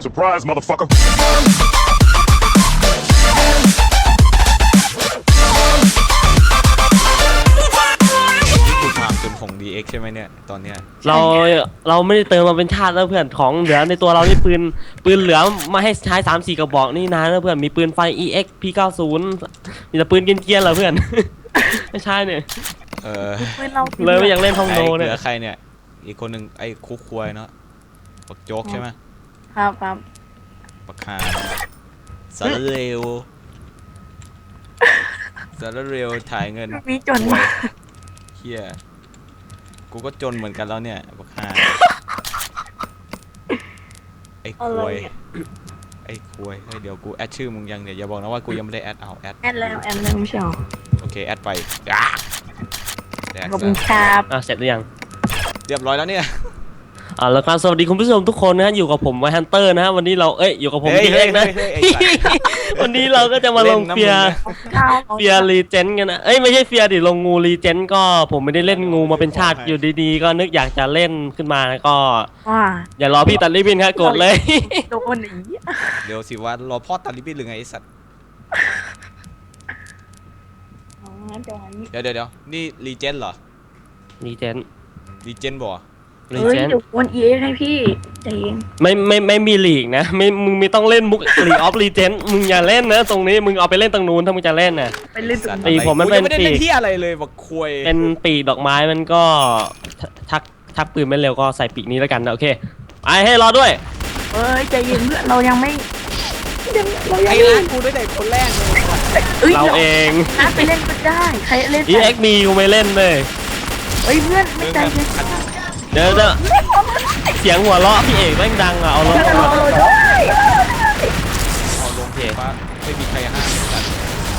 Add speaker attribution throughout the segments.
Speaker 1: Surprise, motherfucker.
Speaker 2: คือความจนของ DX ใช่ไหมเนี่ยตอนเนี้ย
Speaker 3: เราไม่ได้เติมมาเป็นชาติแล้วเพื่อนของเหลือในตัวเรานี่ปืนเหลือมาให้ใช้3-4กระบอกนี่นะแล้วเพื่อนมีปืนไฟ EX P90 มีแต่ปืนเกรียนๆเหรอเพื่อน ไม่ใช่เนี่ยเลยไม่อยากเล่นห้องโนเนี่ย
Speaker 2: เหลือใครเนี่ยอีกคนหนึ่งไอ้คุกควยเนาะปักโจ๊กใช่ไหม
Speaker 4: ครับ
Speaker 2: ปักหาสารเร็วสารเร็วถ่ายเงิน
Speaker 4: มีจน
Speaker 2: ควยเฮียกูก็จนเหมือนกันแล้วเนี่ยปักหาไอ้ควยไอ้ควยเฮ้ยเดี๋ยวกูแอดชื่อมึงยังเนี่ยอย่าบอกนะว่ากูยังไม่ได้แอดเอาแอด
Speaker 4: แอดแล้วไม่ใช่หรอ
Speaker 2: โอเคแอดไปแดก
Speaker 4: ขอบคุณครับ
Speaker 3: เสร็จหรือยัง
Speaker 2: เรียบร้อยแล้วเนี่ย
Speaker 3: แล้วการสวัสดีคุณผู้ชมทุกคนนะฮะอยู่กับผมไวฮันเตอร์นะฮะวันนี้เราอยู่กับผม
Speaker 2: เฮ้ย
Speaker 3: DX นะ
Speaker 2: เฮ้ยไอ้สัตว์
Speaker 3: วันนี้เราก็จะมาลงเฟียรีเจนกันนะไม่ใช่เฟียดิลงงูรีเจนก็ผมไม่ได้เล่นงูมาเป็นชาติอยู่ดีๆก็นึกอยากจะเล่นขึ้นมาก็
Speaker 4: ว่า
Speaker 3: อย่ารอพี่ตัดริบบิ้นครับกดเลย
Speaker 4: โดนอี
Speaker 2: เดี๋ยวสิว่ารอพ่อตัดลิบบิ้นหรือไงไอ้สัตว์เดี๋ยวนี่รีเจนเหรอ
Speaker 3: รีเจน
Speaker 2: รีเจนบ่
Speaker 3: รี
Speaker 4: เฮ้ย
Speaker 3: เจน
Speaker 4: เดี๋ยววนเอ็กให้พี่ใจเย็น
Speaker 3: ไม่มีลีกนะมึงไม่ต้องเล่นมุกลีออฟรีเจนมึงอย่าเล่นนะตรงนี้มึงเอาไปเล่นตรงนู้นถ้ามึงจะเล่นนะ
Speaker 4: ไปเล่นตรง
Speaker 3: ปี
Speaker 4: นี้
Speaker 3: ผมมันเป็น
Speaker 2: ไม่ได้
Speaker 3: ปี
Speaker 2: เล่นที่อะไรเลยบักควย
Speaker 3: เป็นปีกดอกไม้มันก็ชักปืนไม่เร็วก็ใส่ปีกนี้แล้วกันนะโอเคไปให้รอด้วย
Speaker 4: เฮ้ยใจเย็นเพื่อนเรายังไม่เรายัง
Speaker 2: ไอ้
Speaker 4: ไม่
Speaker 2: ร้านกูด้วยแต่คนแรกเลย
Speaker 3: เราเอง
Speaker 4: น่าไปเล่นก็ได้ใครเล่น
Speaker 3: EX มีกูไม่เล่นเลย
Speaker 4: เฮ้ยเพื่อนไม่ใจเย็น
Speaker 3: เดี๋ยวเสียงหัวเราะพี่เอกแม่งดังอะเอาลง
Speaker 4: เพื่อน
Speaker 3: มา
Speaker 4: เราด้วย
Speaker 2: เอาลงเพจว่าไม่มีใครห้ามสัตว์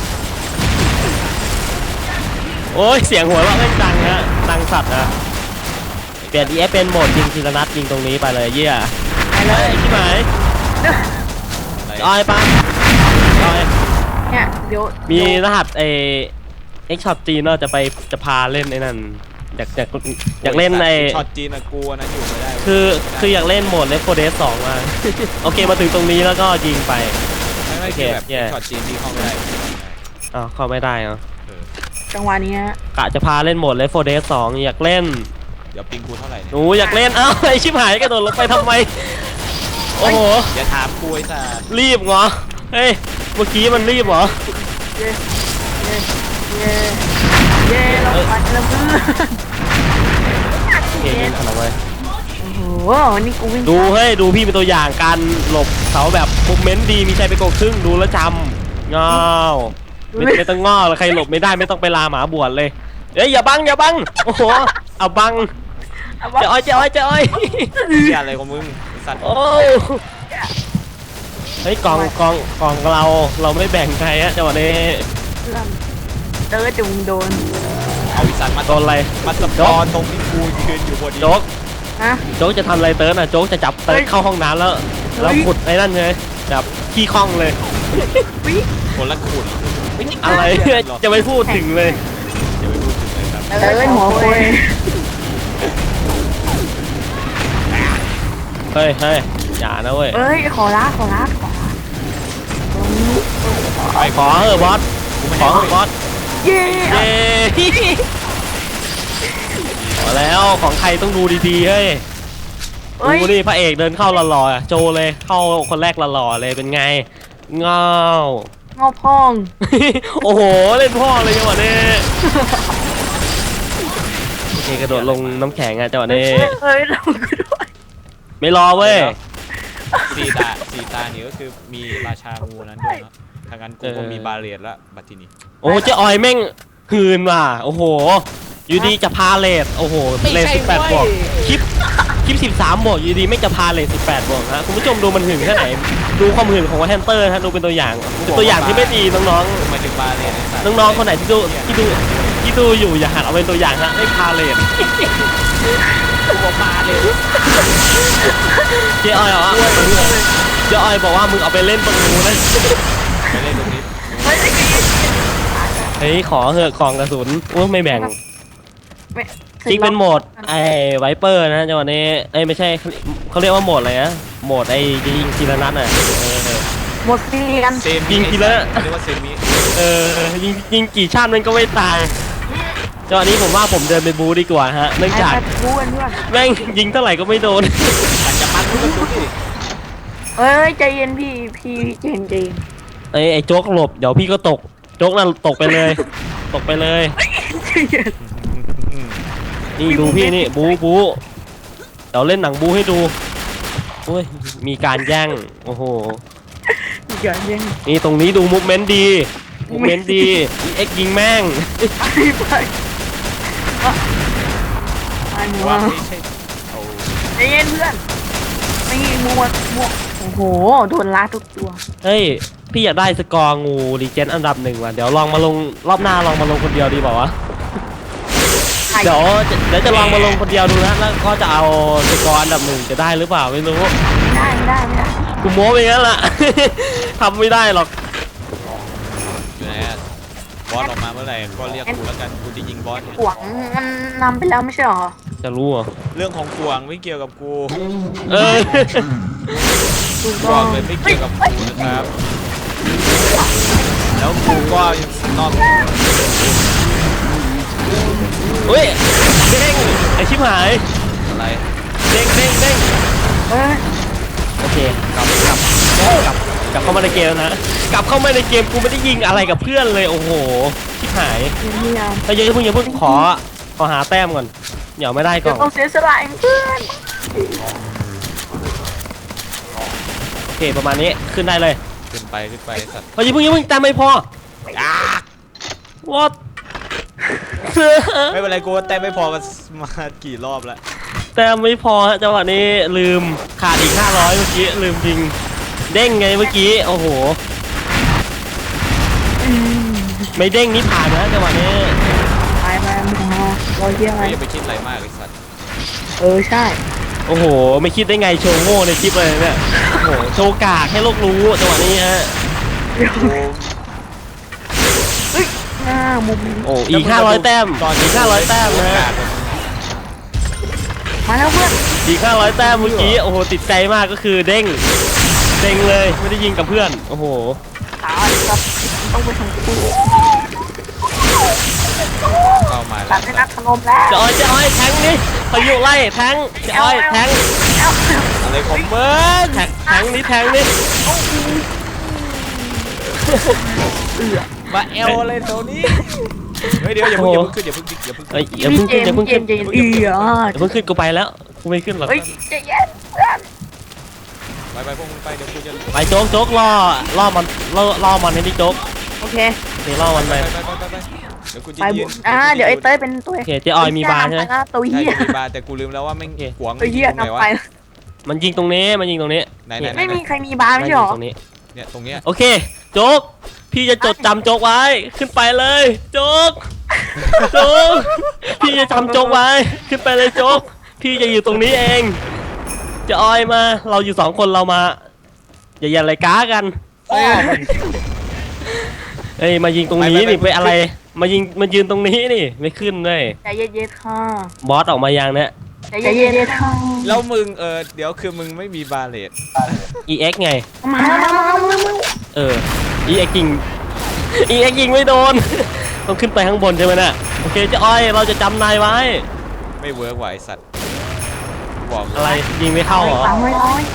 Speaker 3: โอ้ยเสียงหัวเราะแม่งดังฮะดังสัตว์นะเปลี่ยน EX เป็นโหมดยิงทีละนัดยิงตรงนี้ไปเลยเยี่ย
Speaker 4: ไปเลย
Speaker 3: ที่หมายออยปั๊มออย
Speaker 4: เนี่ยเดี๋ยว
Speaker 3: มีรหัสX Shot จีนเนาะจะพาเล่นไอ้นั่นอยากเล่น
Speaker 2: ช็อตจีนอะกูอันนั้นอยู่ไม่ได้
Speaker 3: คืออยากเล่นโหมด Left 4 Dead 2มา โอเคมาถึงตรงนี้แล้วก็ยิงไป
Speaker 2: ไม่คือแบบช็อตจีนที่เข้าไม่ได้
Speaker 3: อ้าวเข้าไม่ได้เหรอ
Speaker 4: จังหวะนี้
Speaker 3: กะจะพาเล่นโหมด Left 4 Dead 2อยากเล่น
Speaker 2: เดี๋ยวปิงกูเท่าไหร่เนี่ย
Speaker 3: หนูอยากเล่นเอ้าไอชิบหายกระโดดลงไปทำไมโอ้โห
Speaker 2: อย่าถามกูไอ้สัตว์
Speaker 3: รีบเหรอเฮ้ยเมื่อกี้มันรีบเหรอ
Speaker 4: เย่เราไปแล้วเพื่อน
Speaker 3: เก่งขนาดเลย
Speaker 4: โอ้โหนี่กูวิ่ง
Speaker 3: ดูดูพี่เป็นตัวอย่างการหลบเขาแบบมุมเมนต์ดีมีชัยไปกดครึ่งดูแล้วจำเงาไม่ต้องง้อเลยใครหลบไม่ได้ไม่ต้องไปลาหมาบวชเลยเอ้ยอย่าบังโอ้โหเอาบังเจ้าอ้อย
Speaker 2: เหี้ยอะไรของมึงไอ้สัตว์
Speaker 3: โอ้เฮ้ยกองเราไม่แบ่งใครฮะจังหวะนี้
Speaker 4: เตอร์จุงโดน
Speaker 2: เอาอีสัตว์มา
Speaker 3: โดนอะไร
Speaker 2: มาสปอนตรงที่กูยืนอยู่พอดี
Speaker 3: โจ๊ก
Speaker 4: ฮะ
Speaker 3: โจ๊กจะทำอะไรเติร์นอ่ะโจ๊กจะจับเติร์นเข้าห้องน้ำแล้วขุดไอ้นั่นเลยแบบขี้ข้องเลย
Speaker 4: วิ
Speaker 2: คนละขุน
Speaker 3: อะไรจะไม่พูดถึงเลย
Speaker 2: อย่าไปพูดถึงเลยครับ
Speaker 4: เตอร์หัวโคย
Speaker 3: เฮ้ยอย่านะเว้ย
Speaker 4: เอ้ยขอละ
Speaker 3: ขอเถอะบอสขอเถอะบอส
Speaker 4: เย่
Speaker 3: เย้ขอแล้วของใครต้องดูดีๆเฮ้ยดูดิพระเอกเดินเข้าหล่อๆโจเลยเข้าคนแรกหล่อๆเลยเป็นไงเงาง
Speaker 4: อพอง
Speaker 3: โอ้โหเล่นพ่อเลยจังหวะนี้โอเคกระโดดลงน้ำแข็งอ่ะจังหวะนี้
Speaker 4: เฮ้ยเราด้วย
Speaker 3: ไม่รอเว้ย
Speaker 2: สี่ตานี่ก็คือมีราชางูนั้นด้วยเนาะทางนั้นกูก็มีบาเรียดละบัตทีนี้
Speaker 3: โอ้เจ๊ออยแม่งหืนว่ะโอ้โหอยู่ดีจะพาเลทโอ้โหเลท18บวกคลิป13บวกอยู่ดีไม่จะพาเลท18บวกฮะคุณผู้ชมดูมันหืนแค่ไหนดูความหืนของวอเทนเตอร์ฮะดูเป็นตัวอย่างเป็นตัวอย่างที่ไม่ดีน้อง
Speaker 2: หมายถึงบาเรียดไอ้สัตว์
Speaker 3: ๆน้องๆคนไหนที่ดูอยู่อย่าหันเอาเป็นตัวอย่างฮะไม่พาเลท
Speaker 2: ตัวบาเลย
Speaker 3: เจ๊ออยเหรอเจ๊ออยบอกว่ามึงเอาไปเล่นตรงนู้นนะ
Speaker 2: ไม่เล่นตรงนี้
Speaker 3: เฮ้ยขอเหอะกล่องกระสุนโอ้ไม่แบ่งจิกเป็นโหมดไอ้ไวเปอร์นะจังหวะนี้เอ้ยไม่ใช่เขาเรียกว่าโหมดอะไรนะโหมดไอ้ยิงทีละนัดอ่ะ
Speaker 4: หมดซีกัน
Speaker 2: เซม
Speaker 3: ยิงทีละ
Speaker 2: เรียกว่าเซมิ
Speaker 3: ยิงกี่ชาติมันก็ไม่ตายจังหวะนี้ผมว่าผมเดินไปบูดีกว่าฮะเนื่องจาก
Speaker 4: บูกันเพื่อน
Speaker 3: แม่งยิงเท่าไหร่ก็ไม่โดน
Speaker 2: อาจจะมันทุกคนดิ
Speaker 4: เอ้ยใจเย็นพี่ใจเย็นใจเย็น
Speaker 3: ไอ้โจ๊กหลบเดี๋ยวพี่ก็ตกโจ๊กนั่นตกไปเลย ตกไปเลย
Speaker 4: ใจเย็น
Speaker 3: นี่ดูพี่นี่บูเดี๋ยวเล่นหนังบูให้ดูโอ้ยมีการแย่งโอ้โห
Speaker 4: อย่าเย็น
Speaker 3: นี่ตรงนี้ดูมูฟเมนต์ดีมูฟเมนต์ดีเอ็กยิงแม่ง
Speaker 4: ไปหนู
Speaker 2: ว่าไม่ใช่เอา
Speaker 4: ใจเย็นเพื่อนไม่มัวโอ้โหโดนล้าทุกตัว
Speaker 3: เฮ้ยพี่อยากได้สกอร์งูรีเจนอันดับ 1ว่ะเดี๋ยวลองมาลงรอบหน้าลองมาลงคนเดียวดีเปล่าวะเดี๋ยวจะลองมาลงคนเดียวดูนะแล้วก็จะเอาสกอร์อันดับ 1จะได้หรือเปล่าไม่รู้
Speaker 4: ไม่ได้
Speaker 3: กูโม้ไปงั้นล่ะ ทำไม่ได้หรอก
Speaker 2: อยู่ไหนอะบอสออกมาเมื่อไหร่ก็เรียกกูแล้วกันกูจะยิงบอสเนี่ย
Speaker 4: หวังมันนำไปแล้วไม่ใช่หรอ
Speaker 3: จะรู้เหรอ
Speaker 2: เรื่องของกวางไม่เกี่ยวกับกู
Speaker 3: เออ
Speaker 2: กวางเลยไม่เกี่ยวกับกูนะครับแล้วกูก็ยังนอก
Speaker 3: เฮ้ยเด้งไอชิบหาย
Speaker 2: อะไร
Speaker 3: เด้ง
Speaker 4: เอ้ย
Speaker 3: โอเคกลับเข้ามาในเกมแล้วนะกลับเข้ามาในเกมกูไม่ได้ยิงอะไรกับเพื่อนเลยโอ้โหชิบหาย
Speaker 4: พยายาม
Speaker 3: ถ้าเยอะอย่าเพิ่งขอหาแต้มก่อนเดี๋ยวไม่ได้ก่
Speaker 4: เดี๋ย
Speaker 3: อ
Speaker 4: วน ต้องเสียสละเพื่อน
Speaker 3: โอเคประมาณนี้ขึ้นได้เลย
Speaker 2: ขึ้นไปสัตว์
Speaker 3: เฮ้ยอย่าเพิ่งแต้มไม่พอwhat
Speaker 2: ไม่เป็นไรกูว่าแต้มไม่พอกันมากี่รอบแล้ว
Speaker 3: แต้มไม่พอฮะจังหวะนี้ลืมขาดอีก500เมื่อกี้ลืมจริงเด้งไงเมื่อกี้โอ้โหไม่เด้งนี่ผ่านนะจังหวะนี้
Speaker 4: ไปเราเยี่ยม
Speaker 2: ไม่อย่าไปคิดอะไรมากไอ้สัตว์
Speaker 4: ใช่
Speaker 3: โอ้โหไม่คิดได้ไงโชว์โง่ในคลิปเลยเนี่ยโอ้โหโชว์กากให้โลกรู้จังหวะนี้ฮะ
Speaker 2: กู
Speaker 4: หน้ามุม
Speaker 3: โอ้อีก500แต้มอีก500แต้มนะฮะ
Speaker 4: มาแล้วเพื่อน
Speaker 3: อีก500แต้มเมื่อกี้โอ้โหติดใจมากก็คือเด้งเลยไม่ได้ยิงกับเพื่อนโอ้โห
Speaker 4: ตายครับต้องไปทางกู
Speaker 2: เข้ามา
Speaker 4: ตั
Speaker 2: แล้
Speaker 4: ด
Speaker 2: ว
Speaker 4: ให้นักขนมแล้ว
Speaker 3: จะอ้อยแทงนี่พายุไล่แทงจะอ้อยแทง
Speaker 2: อะไรของเบิร์น
Speaker 3: แทงนี่
Speaker 2: มาเอลอะไรตัวนี้เฮ้ยเดี๋ยวอย่าเพิ่งขึ้นอย่าเพิ่ง
Speaker 3: เอ้ยอย่าเพิ่งขึ้น
Speaker 4: เย็นอย่าเพิ่งขึ้น
Speaker 3: กูไปแล้วกูไม่ขึ้นหรอก
Speaker 4: เฮ้ยใจเย็นเพื่อน
Speaker 2: ไปพวกมึงไปเดี๋ยวกูจะ
Speaker 3: ไปโจ๊กล่อมันให้ดิโจ๊ก
Speaker 4: โอเค
Speaker 3: เดี๋ยวล่อมันไป
Speaker 2: เดี๋ยวกูจะ
Speaker 4: ไป
Speaker 2: ยื
Speaker 4: บุ
Speaker 2: น
Speaker 4: เดี๋ยวไอ้เต้ยเป็นตัว
Speaker 3: โอเคเจ๊ออยมีบาร์ใช่ไหม
Speaker 4: ตัว
Speaker 2: ใช่
Speaker 4: เหี้ย
Speaker 2: มีบาร์แต่กูลืมแล้วว่าแม่งขวาง
Speaker 4: ตัวเหี้ย
Speaker 2: ตรงไหน
Speaker 4: นำ
Speaker 2: วะ
Speaker 4: ไป
Speaker 3: มันยิงตรงนี้
Speaker 2: ไหน
Speaker 4: ไม่มีใครมีบาร์ไม่ใช่หรอ
Speaker 3: ตรงนี้
Speaker 2: เนี่ยตรงเนี้ย
Speaker 3: โอเคโจ๊กพี่จะจดจำโจ๊กไว้ขึ้นไปเลยโจ๊กพี่จะจำโจ๊กไว้ขึ้นไปเลยโจ๊กพี่จะอยู่ตรงนี้เองจะออยมาเราอยู่2คนเรามาอย่าอะไรก้ากันเอ้ยมายิงตรงนี้นี่ไปอะไรมายืนตรงนี้นี่ไม่ขึ้นเลย
Speaker 4: ใจเย็นๆค่ะ
Speaker 3: บอสออกมายังเนี่ย
Speaker 4: ใจเย็นๆค่ะ
Speaker 2: แล้วมึงเดี๋ยวคือมึงไม่มีบาเลต
Speaker 3: EX ไง
Speaker 4: มา
Speaker 3: EX ยิงไม่โดน ต้องขึ้นไปข้างบนใช่ไหมน่ะโอเคเจ๊อ้อยเราจะจำนายไว้
Speaker 2: ไม่เวิร์กว่ะไอสัตว์บอก
Speaker 3: อะไรยิงไม่เข้าเหรอ
Speaker 4: 300
Speaker 2: ไม่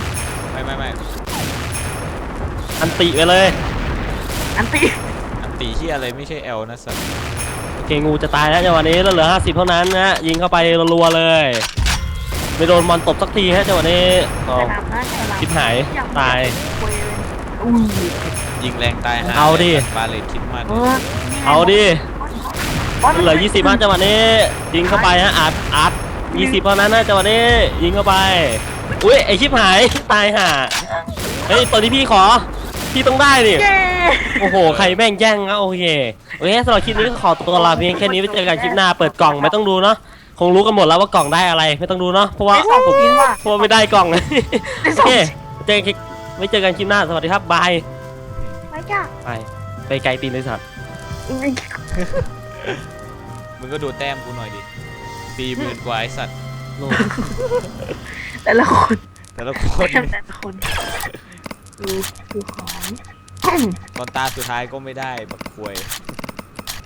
Speaker 3: อันติไปเลย
Speaker 4: อันตี
Speaker 2: อันตีที่อะไรไม่ใช่เอลนะสัตว์
Speaker 3: โอเคงูจะตายแล้วจังหวะนี้แล้วเหลือ50เท่านั้นนะฮะยิงเข้าไปรัวๆเลยไม่โดนมอนตบสักทีฮะจังหวะนี้อ๋อ ชิบหายตาย
Speaker 2: ยิงแรงตายหา
Speaker 3: เอาดิ
Speaker 2: บาเลตคิดมัน
Speaker 3: เอาดิเหลือ20ฮะจังหวะนี้ยิงเข้าไปฮะอัด20เท่านั้นนะจังหวะนี้ยิงเข้าไปอุ้ยไอชิบหายตายห่าเฮ้ยตัวนี้พี่ขอพี่ต้องได้ดิ โอ้โห ใครแม่งแย่งนะโอเคสำหรับคลิปนี้ก็ขอตัวลาเพียงแค่นี้ไว้เจอกันคลิปหน้าเปิดกล่องไม่ต้องดูเนาะคงรู้กันหมดแล้วว่ากล่องได้อะไรไม่ต้องดูเนาะเพราะว่าไม่ได้กล่องโอเคไว้เจอกันคลิปหน้าสวัสดีครับบาย
Speaker 4: ไม่จ้ะ
Speaker 3: ไปไกลตีนเลยสัตว์
Speaker 2: มึงก็ดูแต้มกูหน่อยดิ 40,000 กว่าไอสัตว์
Speaker 3: โลก
Speaker 4: แต่ละคน
Speaker 2: แต่ละคน
Speaker 4: แต่ละคนดูของ
Speaker 2: ตอนตาสุดท้ายก็ไม่ได้แบบควย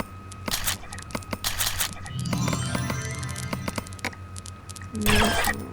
Speaker 4: นี่